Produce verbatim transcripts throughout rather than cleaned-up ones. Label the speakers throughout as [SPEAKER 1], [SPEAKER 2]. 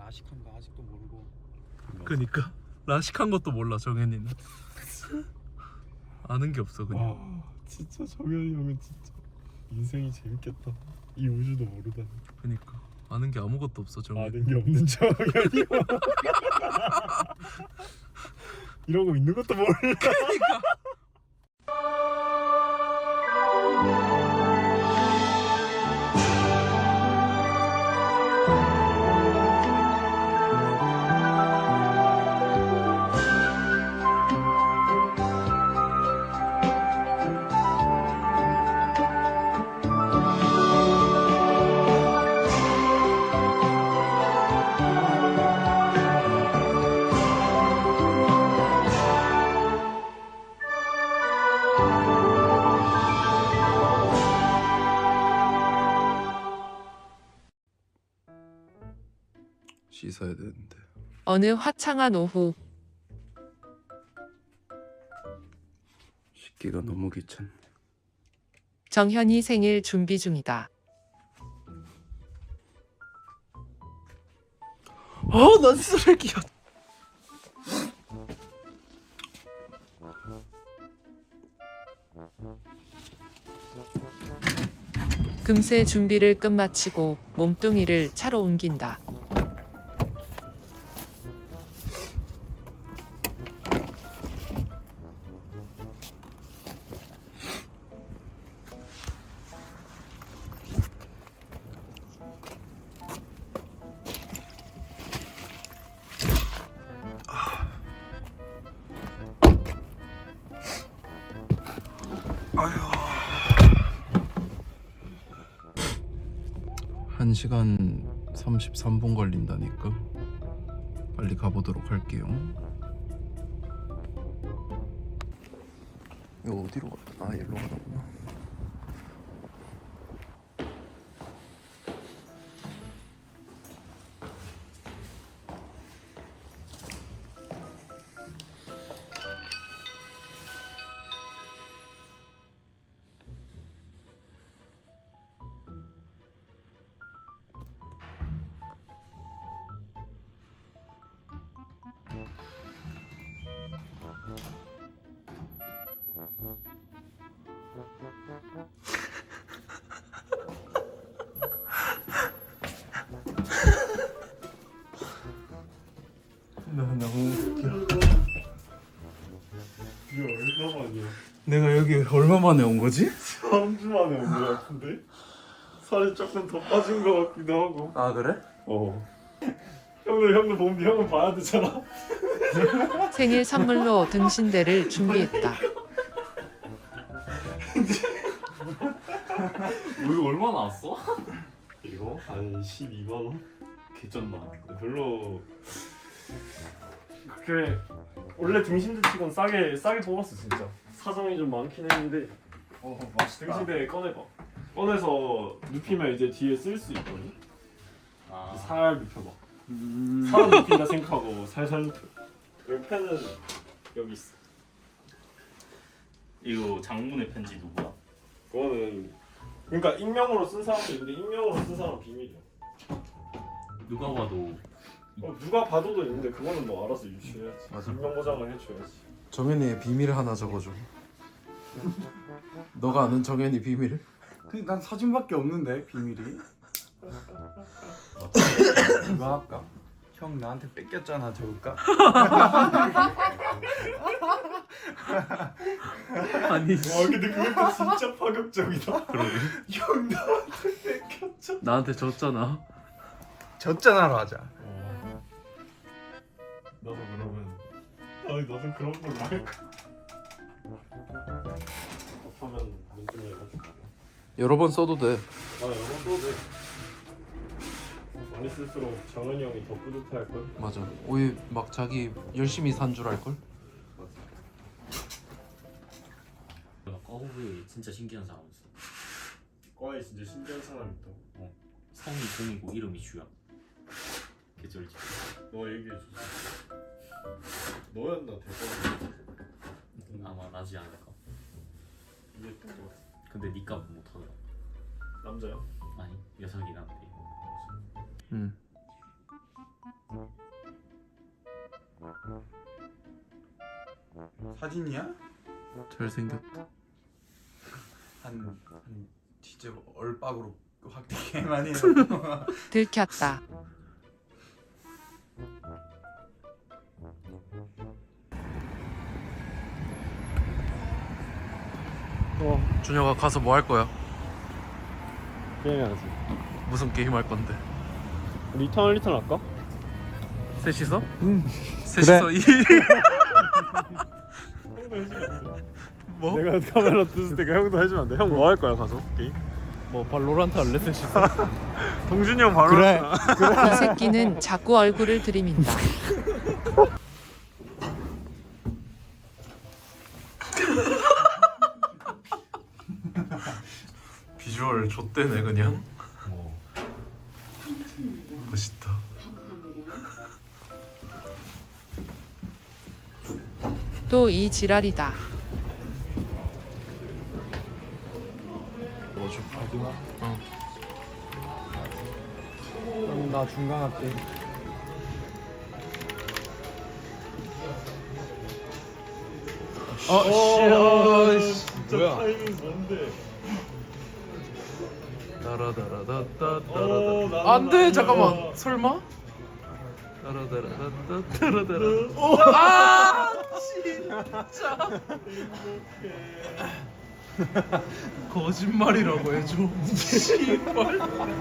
[SPEAKER 1] 라식한 거 아직도 모르고.
[SPEAKER 2] 그니까 라식한 것도 몰라 정현이는. 아는 게 없어 그냥.
[SPEAKER 1] 와 진짜 정현이 형은 진짜 인생이 재밌겠다. 이 우주도 모르다니.
[SPEAKER 2] 그니까 아는 게 아무것도 없어 정현이.
[SPEAKER 1] 아는 게 없는 정현이 형. 이러고 있는 것도 몰라.
[SPEAKER 2] 그니까. 씻어야 되는데.
[SPEAKER 3] 어느 화창한 오후
[SPEAKER 2] 씻기가 너무 귀찮네.
[SPEAKER 3] 정현이 생일 준비 중이다.
[SPEAKER 2] 아, 난 쓰레기야.
[SPEAKER 3] 금세 준비를 끝마치고 몸뚱이를 차로 옮긴다.
[SPEAKER 2] 한 시간 삼십삼 분 걸린다니까. 빨리 가보도록 할게요. 이거 어디로 갔다? 아, 여기로 가는구나. 나 너무 웃겨.
[SPEAKER 1] 이게 얼마만이야?
[SPEAKER 2] 내가 여기 얼마 만에 온 거지?
[SPEAKER 1] 삼 주 만에 온 거 같은데? 살이 조금 더 빠진 거 같기도 하고.
[SPEAKER 2] 아, 그래?
[SPEAKER 1] 어. 형도 형도 몸비 형은 봐야 되잖아.
[SPEAKER 3] 생일 선물로 등신대를 준비했다.
[SPEAKER 4] 뭐 이거 얼마 나왔어?
[SPEAKER 1] 이거 한 십이만 원?
[SPEAKER 4] 개쩐다.
[SPEAKER 1] 별로 그렇게 원래 등신대 치곤 싸게 싸게 뽑았어 진짜. 사정이 좀 많긴 했는데. 어 맛있다. 등신대 꺼내봐. 꺼내서 눕히면 이제 뒤에 쓸 수 있거든.
[SPEAKER 4] 아,
[SPEAKER 1] 살 눕혀봐. 사람 눕힌다 생각하고 살살 눕혀. 여기 펜은 여기 있어.
[SPEAKER 4] 이거 장문의 편지 누구야?
[SPEAKER 1] 그거는 그러니까 익명으로 쓴 사람도 있는데 익명으로 쓴 사람은 비밀이야.
[SPEAKER 4] 누가 봐도
[SPEAKER 1] 어, 누가 봐도도 있는데 그거는 뭐 알아서 유추해야지.
[SPEAKER 2] 맞아.
[SPEAKER 1] 익명 보장을 해줘야지.
[SPEAKER 2] 정현이의 비밀 하나 적어줘. 너가 아는 정현이 비밀?
[SPEAKER 5] 근데 난 사진밖에 없는데 비밀이. 이거 할까? 형 나한테 뺏겼잖아 적을까?
[SPEAKER 2] 아니,
[SPEAKER 1] 와 근데 그것도 진짜 파격적이다.
[SPEAKER 2] 그러게.
[SPEAKER 1] 형 나한테 뺏겼죠.
[SPEAKER 2] 나한테 졌잖아.
[SPEAKER 5] 졌잖아로 하자.
[SPEAKER 1] 나도 그러면 아니 나도 그런 걸로 할까? 답하면 문좀 해가지고.
[SPEAKER 2] 여러 번 써도 돼.
[SPEAKER 1] 아 여러 번 써도 돼. 많이 쓸수록 정은이 형이 더 뿌듯해할 걸.
[SPEAKER 2] 맞아. 오해 막 자기 열심히 산 줄 알걸?
[SPEAKER 4] 꺼부에 진짜 신기한 사람 있어.
[SPEAKER 1] 과에 진짜 신기한 사람 있다고.
[SPEAKER 4] 성이 공이고 이름이 주야. 개쩔지.
[SPEAKER 1] 너 얘기해 주지. 너였나 대박.
[SPEAKER 4] 아마 나지 않을까.
[SPEAKER 1] 이해했던 것 같아.
[SPEAKER 4] 근데 니가 못하더라.
[SPEAKER 1] 남자야?
[SPEAKER 4] 아니 여성이란데.
[SPEAKER 2] 응.
[SPEAKER 5] 사진이야?
[SPEAKER 2] 잘생겼다.
[SPEAKER 5] 한, 한 진짜 얼빡으로 확 되게 많이 해서
[SPEAKER 3] 들켰다.
[SPEAKER 1] 어
[SPEAKER 2] 준혁아 가서 뭐 할 거야?
[SPEAKER 1] 게임해야지.
[SPEAKER 2] 무슨 게임 할 건데?
[SPEAKER 1] 리턴 리턴 할까?
[SPEAKER 2] 셋이서? 응. 셋이서 이. 뭐?
[SPEAKER 1] 내가 카메라 뜯을 때가 형도 해주면 안 돼? 형 뭐 할 거야 가서 게임?
[SPEAKER 2] 뭐 발로란트 할래 셋이서?
[SPEAKER 1] 동준이 형 바로
[SPEAKER 5] 그래.
[SPEAKER 3] 이 새끼는 자꾸 얼굴을 들이민다.
[SPEAKER 2] 비주얼 좆대네 그냥. 멋있다.
[SPEAKER 3] 또 이 지랄이다.
[SPEAKER 2] 뭐 좀 하지마. 어.
[SPEAKER 5] 그럼 나 중간 할게.
[SPEAKER 2] 어, 씨.
[SPEAKER 5] 뭐야?
[SPEAKER 1] 타이밍 뭔데?
[SPEAKER 2] 따라다라다따따라다. 안돼 잠깐만. 설마? 따라다라다따따라다라. 아 진짜. 거짓말이라고 해줘. 씨발.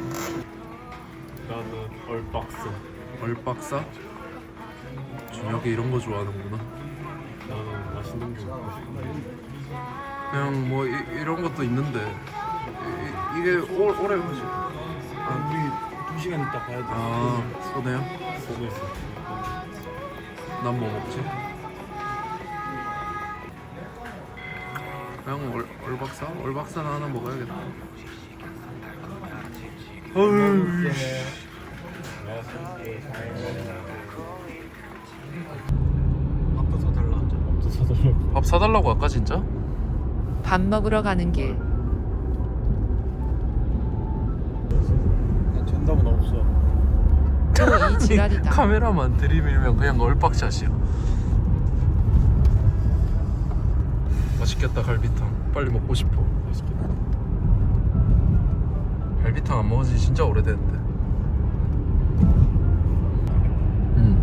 [SPEAKER 1] 나는 얼박스.
[SPEAKER 2] 얼박사? 준혁이 이런 거 좋아하는구나.
[SPEAKER 1] 나는 맛있는 게 먹고 싶어.
[SPEAKER 2] 그냥 뭐 이, 이런 것도 있는데 이, 이게 오, 오래 가지.
[SPEAKER 5] 아, 우리 두 시간 있다 가야 돼.
[SPEAKER 2] 아 소네요?
[SPEAKER 1] 보고 있어.
[SPEAKER 2] 난 뭐 먹지? 그냥 얼, 얼박사? 얼박사나 하나 먹어야겠다. 어휴.
[SPEAKER 5] 밥도 더 달라.
[SPEAKER 1] 또 사달라고.
[SPEAKER 2] 밥 사달라고 아까 진짜?
[SPEAKER 3] 밥 먹으러 가는 길.
[SPEAKER 5] 난 전답은 없어.
[SPEAKER 3] 또 이 지랄이다.
[SPEAKER 2] 카메라만 들이밀면 그냥 얼박샷이야. 맛있겠다 갈비탕. 빨리 먹고 싶어.
[SPEAKER 1] 맛있겠다.
[SPEAKER 2] 갈비탕 안 먹은 지 진짜 오래됐는데. 음.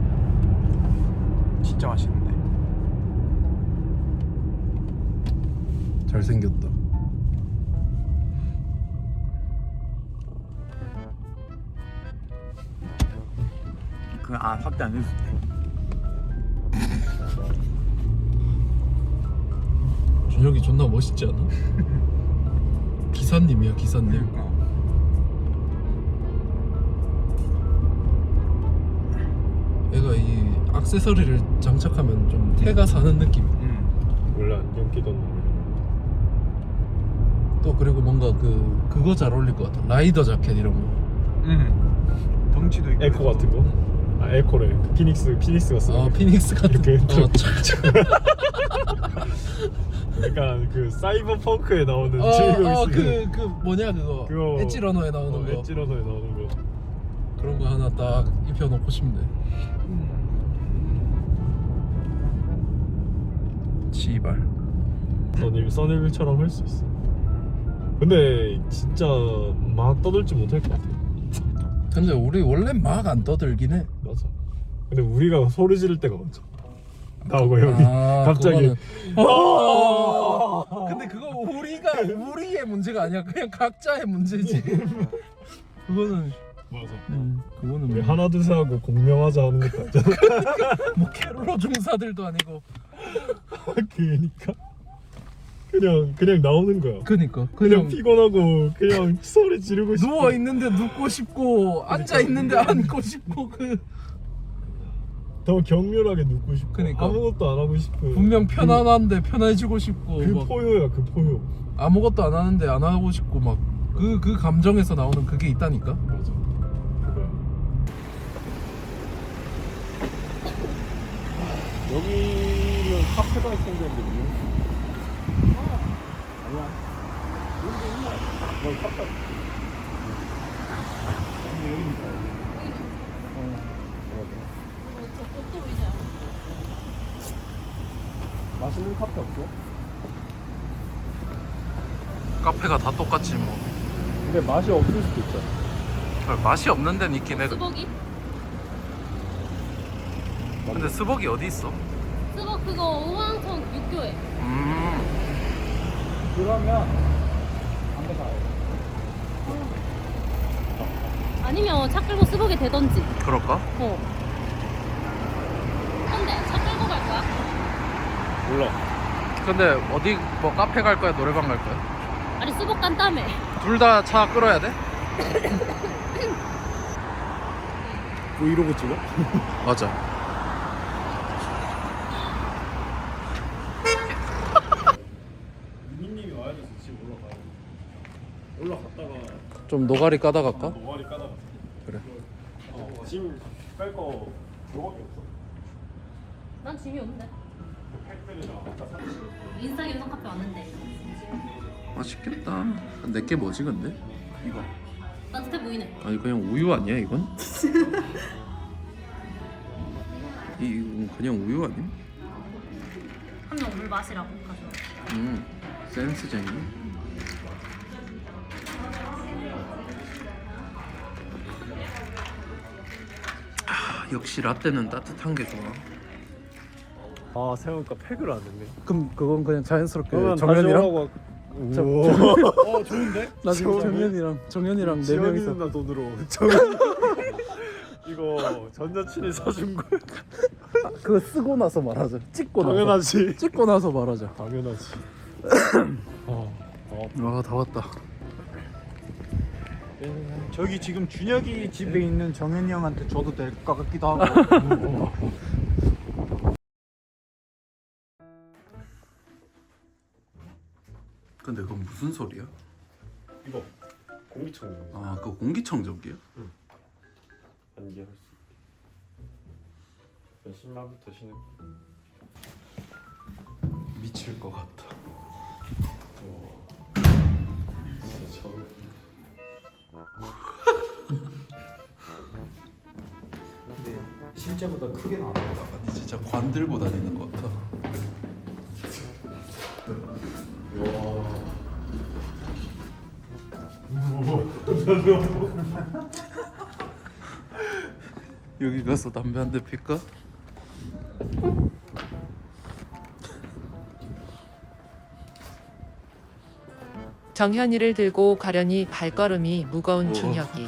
[SPEAKER 5] 진짜 맛있는데.
[SPEAKER 2] 잘생겼다.
[SPEAKER 5] 그아 확대 안 해도 돼.
[SPEAKER 2] 준혁이 존나 멋있지 않아? 기사님이야 기사님.
[SPEAKER 5] 그러니까.
[SPEAKER 2] 얘가 이 액세서리를 장착하면 좀 태가 사는 느낌.
[SPEAKER 5] 응.
[SPEAKER 1] 원래 안경 끼던 놈이.
[SPEAKER 2] 또 그리고 뭔가 그 그거 잘 어울릴 것 같아. 라이더 자켓 이런 거.
[SPEAKER 5] 응. 덩치도 있고.
[SPEAKER 1] 에코 같은 거? 아 에코래. 그 피닉스 피닉스가 쓰는.
[SPEAKER 2] 어 피닉스 같은.
[SPEAKER 1] 그
[SPEAKER 2] 어, 착착.
[SPEAKER 1] 약간 그 사이버 펑크에 나오는
[SPEAKER 2] 어,
[SPEAKER 1] 주인공이
[SPEAKER 2] 어,
[SPEAKER 1] 쓰는.
[SPEAKER 2] 그, 그 뭐냐 그거.
[SPEAKER 1] 그거
[SPEAKER 2] 엣지 러너에 나오는
[SPEAKER 1] 어,
[SPEAKER 2] 거.
[SPEAKER 1] 엣지 러너에 나오는 거.
[SPEAKER 2] 그런 거 하나 딱 입혀놓고 싶네. 지발.
[SPEAKER 1] 써닐 써닐처럼 할 수 있어. 근데 진짜 막 떠들지 못할 것 같아.
[SPEAKER 2] 근데 우리 원래 막 안 떠들긴 해.
[SPEAKER 1] 맞아. 근데 우리가 소리 지를 때가 많죠. 나오고 여기
[SPEAKER 2] 아,
[SPEAKER 1] 갑자기.
[SPEAKER 2] 그거는- 어! 근데 그거 우리가 우리의 문제가 아니야. 그냥 각자의 문제지. 그거는
[SPEAKER 1] 맞아.
[SPEAKER 2] 음, 그거는
[SPEAKER 1] 우리
[SPEAKER 2] 뭐,
[SPEAKER 1] 하나 둘 셋 하고 공명하자 하는 것도 아니잖아.
[SPEAKER 2] 뭐 캐롤러 중사들도 아니고.
[SPEAKER 1] 그니까 그냥 그냥 나오는 거야.
[SPEAKER 2] 그니까
[SPEAKER 1] 그냥
[SPEAKER 2] 그냥
[SPEAKER 1] 피곤하고 그냥 소리 지르고 싶어.
[SPEAKER 2] 누워 있는데 눕고 싶고 앉아 있는데 앉고 싶고 그
[SPEAKER 1] 더 격렬하게 눕고 싶고.
[SPEAKER 2] 그니까.
[SPEAKER 1] 아무것도 안 하고 싶어.
[SPEAKER 2] 분명 편안한데 편해지고 싶고
[SPEAKER 1] 그
[SPEAKER 2] 막
[SPEAKER 1] 포효야 그 포효.
[SPEAKER 2] 아무것도 안 하는데 안 하고 싶고 막 그 그 감정에서 나오는 그게 있다니까.
[SPEAKER 1] 맞아. 그거야. 여기는 카페가 생겼는데 뭐? 아니야. 여기 카페. 맛있는 카페 없어?
[SPEAKER 2] 카페가 다 똑같지 뭐.
[SPEAKER 1] 근데 맛이 없을 수도 있잖아.
[SPEAKER 2] 맛이 없는 데는 있긴 해.
[SPEAKER 6] 스벅이?
[SPEAKER 2] 근데 스벅이 어디 있어?
[SPEAKER 6] 스벅 그거 오왕천 육교에.
[SPEAKER 2] 음.
[SPEAKER 1] 그러면 안돼 가요.
[SPEAKER 6] 아니면 차 끌고 스벅에 대던지.
[SPEAKER 2] 그럴까?
[SPEAKER 6] 어. 근데 차 끌고 갈 거야?
[SPEAKER 1] 몰라.
[SPEAKER 2] 근데 어디 뭐 카페 갈 거야, 노래방 갈 거야?
[SPEAKER 6] 아니 스벅 간다며.
[SPEAKER 2] 둘 다 차 끌어야 돼?
[SPEAKER 1] 브이로그 찍어?
[SPEAKER 2] 맞아.
[SPEAKER 1] 유민님이 와야 돼서 지금 올라가요. 올라갔다가
[SPEAKER 2] 좀 노가리 까다 갈까?
[SPEAKER 1] 노가리 까다가.
[SPEAKER 2] 그래.
[SPEAKER 1] 어, 짐 뺄거 그거밖에 없어.
[SPEAKER 6] 난 짐이 없는데.
[SPEAKER 1] 팩들이랑 아까 사진.
[SPEAKER 6] 인스타 감성 카페 왔는데.
[SPEAKER 2] 맛있겠다. 내게 뭐지 근데? 이거.
[SPEAKER 6] 따뜻해 보이네.
[SPEAKER 2] 아니 그냥 우유 아니야 이건? 이- 이건 그냥 우유 아니야?
[SPEAKER 6] 한 명 물 마시라고 가져.
[SPEAKER 2] 음 센스쟁이. 아, 역시 라떼는 따뜻한 게 좋아.
[SPEAKER 1] 아 생각보다 팩을 안 했네.
[SPEAKER 2] 그럼 그건 그냥 자연스럽게
[SPEAKER 1] 그러면
[SPEAKER 2] 정현이랑
[SPEAKER 1] 오. 어 좋은데?
[SPEAKER 2] 나 지금
[SPEAKER 1] 지원이?
[SPEAKER 2] 정현이랑 정현이랑 네
[SPEAKER 1] 지원이
[SPEAKER 2] 명이서
[SPEAKER 1] 누나 돈으로 이거 전 여친이 사준 거야.
[SPEAKER 2] 그거 쓰고 나서 말하자. 찍고 나서.
[SPEAKER 1] 당연하지.
[SPEAKER 2] 찍고 나서 말하자.
[SPEAKER 1] 당연하지. 어, 어.
[SPEAKER 2] 아 다 왔다.
[SPEAKER 7] 저기 지금 준혁이 집에 있는 정현이 형한테 줘도 될 것 같기도 하고.
[SPEAKER 2] 근데 그건 무슨 소리야?
[SPEAKER 1] 이거 공기청정.
[SPEAKER 2] 아 그거 공기청정기야?
[SPEAKER 1] 안개할 수 있게. 몇십 만부터 신을.
[SPEAKER 2] 미칠 것 같다.
[SPEAKER 1] 진짜 저.
[SPEAKER 7] 실제보다 크게 나와.
[SPEAKER 2] 아니 진짜 관 들고 다니는 것 같아. 여기 가서 담배 한 대 필까?
[SPEAKER 3] 정현이를 들고 가려니 발걸음이 무거운 준혁이.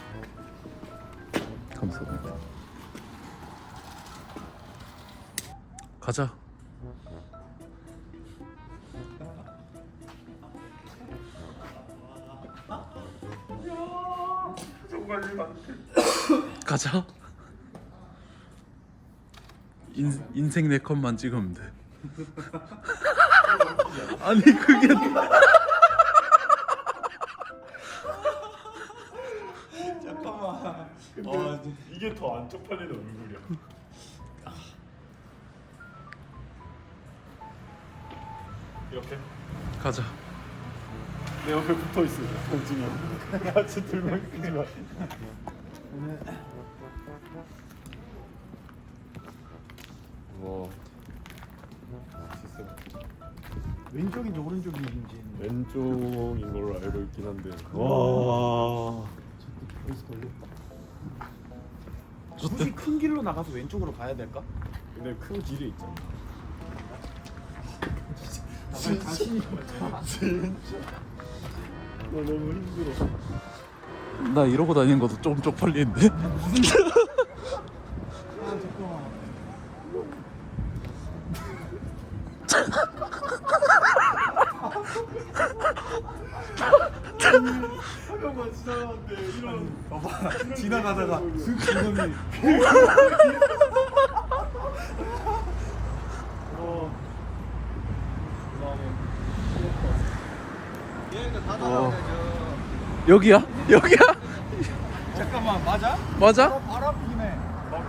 [SPEAKER 2] 감사합니다. 가자. 가자. 인, 인생 네 컷만 찍으면 돼. 아니 그게
[SPEAKER 7] 잠깐만.
[SPEAKER 1] 근데 이게 더 안 쪽팔리는 얼굴이야. 이렇게
[SPEAKER 2] 가자.
[SPEAKER 1] 내 옆에 붙어 있어. 동진이 형. 같이 들면 끄지 마. 와.
[SPEAKER 7] 왼쪽인지 오른쪽인지.
[SPEAKER 1] 왼쪽인 걸로 알고 있긴 한데. 와.
[SPEAKER 7] 여기서 걸렸다. 굳이 큰 길로 나가서 왼쪽으로 가야 될까?
[SPEAKER 1] 근데 큰 길이 있잖아.
[SPEAKER 7] 나갈 자신이 없다.
[SPEAKER 1] 진짜. 나 너무 힘들어.
[SPEAKER 2] 나 이러고 다니는 것도 좀 쪽팔리는데.
[SPEAKER 7] 아 잠깐만.
[SPEAKER 1] 잠깐만 지나가는데 이런.
[SPEAKER 7] 봐봐. 지나가다가 슥 지금이.
[SPEAKER 1] 어.
[SPEAKER 7] 얘가 다
[SPEAKER 2] 어.
[SPEAKER 7] 나가야죠.
[SPEAKER 2] 여기야? 여기야?
[SPEAKER 7] 잠깐만 맞아?
[SPEAKER 2] 맞아?
[SPEAKER 7] 바로 바로 앞이네.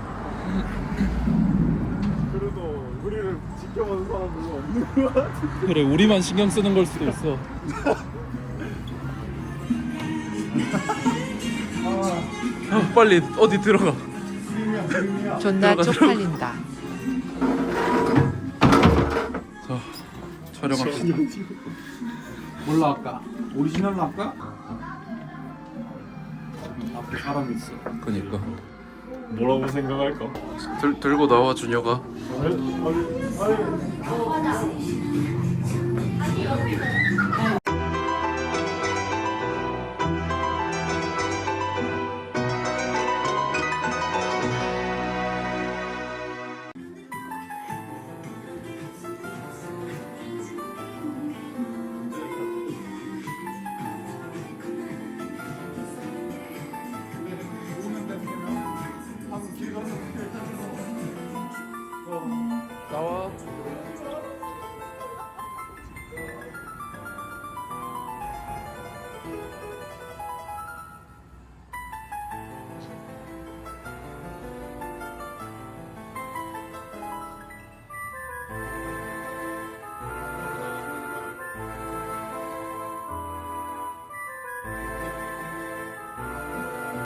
[SPEAKER 1] 그래도 우리를 지켜보는 사람 별로 없는 것 같아.
[SPEAKER 2] 그래 우리만 신경 쓰는 걸 수도 있어. 아, 빨리 어디 들어가.
[SPEAKER 3] 존나
[SPEAKER 2] 들어가,
[SPEAKER 3] 쪽팔린다.
[SPEAKER 5] 촬영합시다.
[SPEAKER 7] 뭘로 할까? 오리지널로 할까? 앞에 사람이 있어.
[SPEAKER 5] 그니까
[SPEAKER 1] 뭐라고 생각할까?
[SPEAKER 5] 들 들고 나와 준혁아.
[SPEAKER 1] 아니, 아니, 아니.